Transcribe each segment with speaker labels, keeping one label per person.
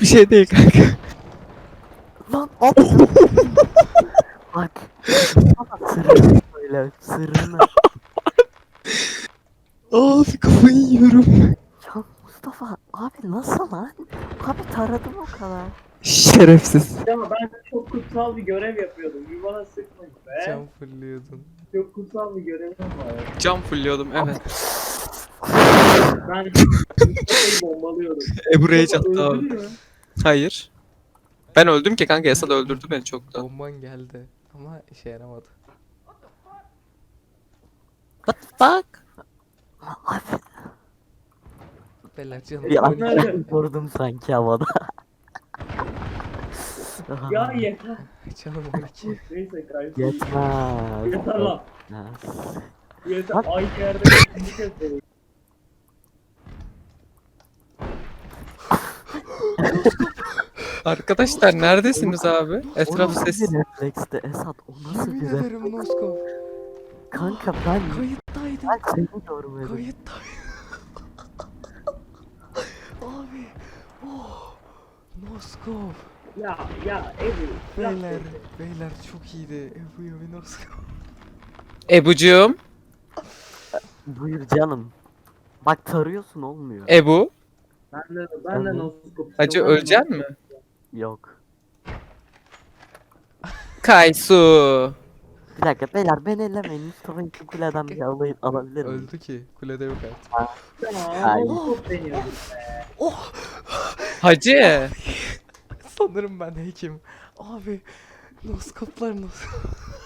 Speaker 1: bir şey değil kanka.
Speaker 2: Lan at. Bak. Bana sırrını söyle. Sırrını.
Speaker 1: Abi kafayı yiyorum.
Speaker 2: Ya Mustafa abi nasıl lan? Abi taradım o kadar.
Speaker 1: Şerefsiz.
Speaker 3: Ya ben çok kutsal bir görev yapıyordum. Bir bana sıkmayın be.
Speaker 4: Cam fırlıyordun.
Speaker 3: Çok kutsal bir görevim var.
Speaker 1: Cam fulliyordum evet.
Speaker 3: Ben Mustafa'yı bombalıyordum.
Speaker 1: Ebru Rage
Speaker 3: Mustafa
Speaker 1: attı
Speaker 3: öldü
Speaker 1: abi.
Speaker 3: mü?
Speaker 1: Hayır. Ben öldüm ki kanka, Esad öldürdü beni çoktan.
Speaker 4: Bomban geldi ama işe yaramadı.
Speaker 1: What the fuck?
Speaker 2: Abi
Speaker 4: Beyler canım
Speaker 2: bir an
Speaker 3: Nerede?
Speaker 2: vurdum sanki havada.
Speaker 3: Ya yeter.
Speaker 4: Canım 12.
Speaker 3: Neyse kardeşim.
Speaker 2: Yetmez.
Speaker 3: Yeter lan.
Speaker 2: Yetmez.
Speaker 3: Yeter.
Speaker 2: Bak.
Speaker 3: Ay yerde ikinci kez söyleyeyim.
Speaker 1: Arkadaşlar neredesiniz abi? Etraf
Speaker 2: O nasıl
Speaker 1: ses.
Speaker 2: bir refleksti Esat? O nasıl
Speaker 4: Yemin
Speaker 2: bir
Speaker 4: ederim
Speaker 2: refleks?
Speaker 4: Noskop.
Speaker 2: Kanka ben
Speaker 4: Kayıttaydım.
Speaker 2: seni görmedim.
Speaker 4: Kayıttaydım. Abi. Oh. Noskop.
Speaker 3: Ya Ebu. yap
Speaker 4: Beyler.
Speaker 3: dedi.
Speaker 4: Beyler çok iyiydi. Ebu Yavi Noskop.
Speaker 1: Ebucuğum.
Speaker 2: Buyur canım. Bak tarıyorsun olmuyor.
Speaker 1: Ebu.
Speaker 3: Ben de noskop.
Speaker 1: Hacı ölecek mi?
Speaker 2: Yok.
Speaker 1: Kaysu.
Speaker 2: Bir dakika beyler beni ellemeyin. Mustafa'yı şu kuleden bir alabilir miyim?
Speaker 4: Öldü ki. Kulede yok artık.
Speaker 3: Tamam. Noskop deniyor.
Speaker 4: Oh.
Speaker 1: Hacı.
Speaker 4: Sanırım ben hekim. Abi. Noskoplar noskop.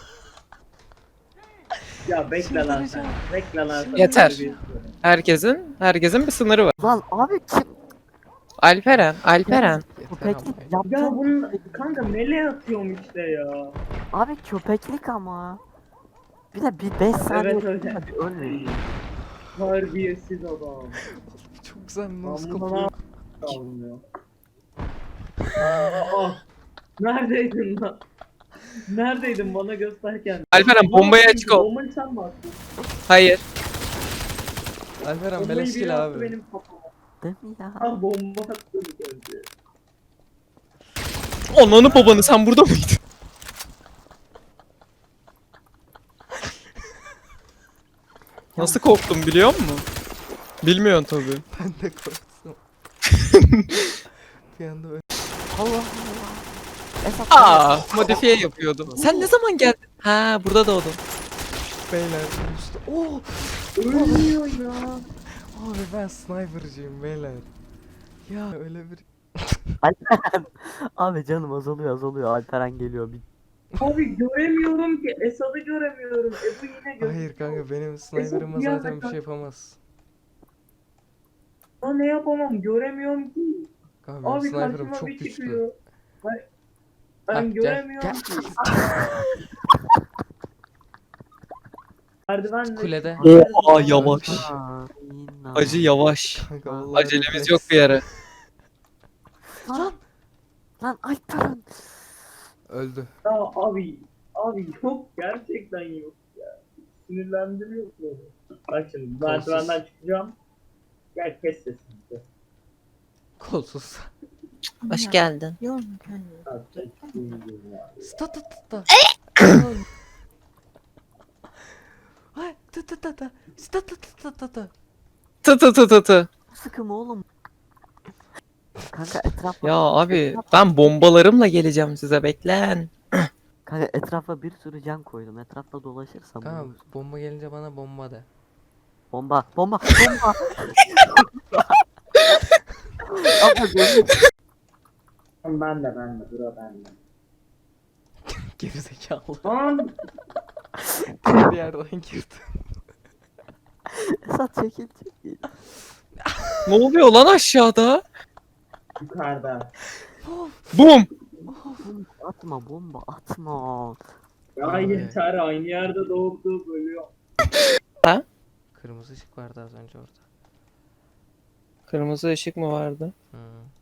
Speaker 3: Ya bekle lan sen.
Speaker 4: Çıldıracağım.
Speaker 3: Bekle lan sen.
Speaker 1: Yeter.
Speaker 3: Bir-
Speaker 1: Herkesin bir sınırı var.
Speaker 2: Lan abi kim?
Speaker 1: Alperen.
Speaker 2: Köpeklik
Speaker 4: Yeter
Speaker 3: Ya
Speaker 2: yaptın.
Speaker 3: bunun kanka meleğe atıyorum işte ya.
Speaker 2: Abi köpeklik ama. Bir de bir 5 saniye
Speaker 3: Evet, öyle.
Speaker 2: sonra bir ölmeyin.
Speaker 3: Terbiyesiz adam.
Speaker 4: Çok güzel
Speaker 3: Ben
Speaker 4: noskop.
Speaker 3: buna almıyor. Aa, neredeydin lan? Neredeydin bana gösterken?
Speaker 1: Alperen bombaya açık ol.
Speaker 3: Bombayı sen mi attın?
Speaker 1: Hayır.
Speaker 4: Alperen
Speaker 3: Bombayı biri
Speaker 4: beleşkil
Speaker 3: attı
Speaker 4: abi.
Speaker 3: benim kafama.
Speaker 2: Değil mi ya?
Speaker 3: Ah bomba attı bir önce.
Speaker 1: Ananı babanı, sen burada mıydın? Nasıl korktum biliyor musun? Bilmiyorsun tabii.
Speaker 4: Ben de korktum. Bir anda öyle.
Speaker 2: Allah Allah. Esat
Speaker 1: Modifiye yapıyordum. Sen ne zaman geldin? Ha, burada doğdun.
Speaker 4: Beyler üstü. Oh!
Speaker 3: Ölmüyor ya.
Speaker 4: Abi ben sniper'cıyım beyler. Ya öyle bir...
Speaker 2: Alperen. Abi canım azalıyor. Alperen geliyor. Bir...
Speaker 3: Abi göremiyorum ki. Esad'ı göremiyorum. Ebu yine görüyor.
Speaker 4: Hayır kanka benim sniper'ıma
Speaker 3: bir anda
Speaker 4: zaten bir
Speaker 3: kanka-
Speaker 4: şey yapamaz.
Speaker 3: Aa, ne yapamam göremiyorum ki.
Speaker 4: Kanka benim
Speaker 3: Abi
Speaker 4: sniper'ım
Speaker 3: karşıma
Speaker 4: çok
Speaker 3: bir
Speaker 4: güçlü.
Speaker 3: çıkıyor. Ben,
Speaker 4: Hah,
Speaker 3: ben
Speaker 4: gel,
Speaker 3: göremiyorum
Speaker 4: gel.
Speaker 3: ki. Merdivenle
Speaker 4: Kulede.
Speaker 1: Oha, yavaş.
Speaker 2: Aynen.
Speaker 1: Acı yavaş.
Speaker 4: Kanka vallahi
Speaker 1: Acelemiz
Speaker 4: refleks.
Speaker 1: yok bir yere.
Speaker 2: Lan. Lan Alperen.
Speaker 4: Öldü.
Speaker 3: Ya abi yok gerçekten yok ya. Sinirlendiriyor beni. Bak şimdi merdivenden çıkacağım. Gel kes sesini.
Speaker 4: Kolsuz.
Speaker 1: Hoş geldin.
Speaker 3: Ha, çıkayım ya.
Speaker 4: Sta ta ta ta. Ay ta ta ta ta. Sta ta ta ta ta.
Speaker 1: Tı tı tı tı tı.
Speaker 2: Sıkım oğlum. Kanka etrafa.
Speaker 1: Ya abi ben bombalarımla geleceğim size, beklen.
Speaker 2: Kanka etrafa bir sürü can koydum. Etrafta dolaşırsam.
Speaker 4: Kanka
Speaker 2: olur.
Speaker 4: bomba gelince bana bomba de.
Speaker 2: Bomba. Ama benim
Speaker 3: Ben de bura ben de.
Speaker 4: Gerizekalı.
Speaker 3: Lan
Speaker 4: Bir yerden girdi.
Speaker 2: Esat çekil.
Speaker 1: Ne oluyor lan aşağıda?
Speaker 3: yukarıda.
Speaker 1: Bum.
Speaker 2: Bomba atma.
Speaker 3: Ya
Speaker 4: Abi.
Speaker 3: yeter aynı yerde doğup ölüyor.
Speaker 4: Kırmızı ışık vardı az önce orada.
Speaker 1: Kırmızı ışık mı vardı?
Speaker 4: Hı.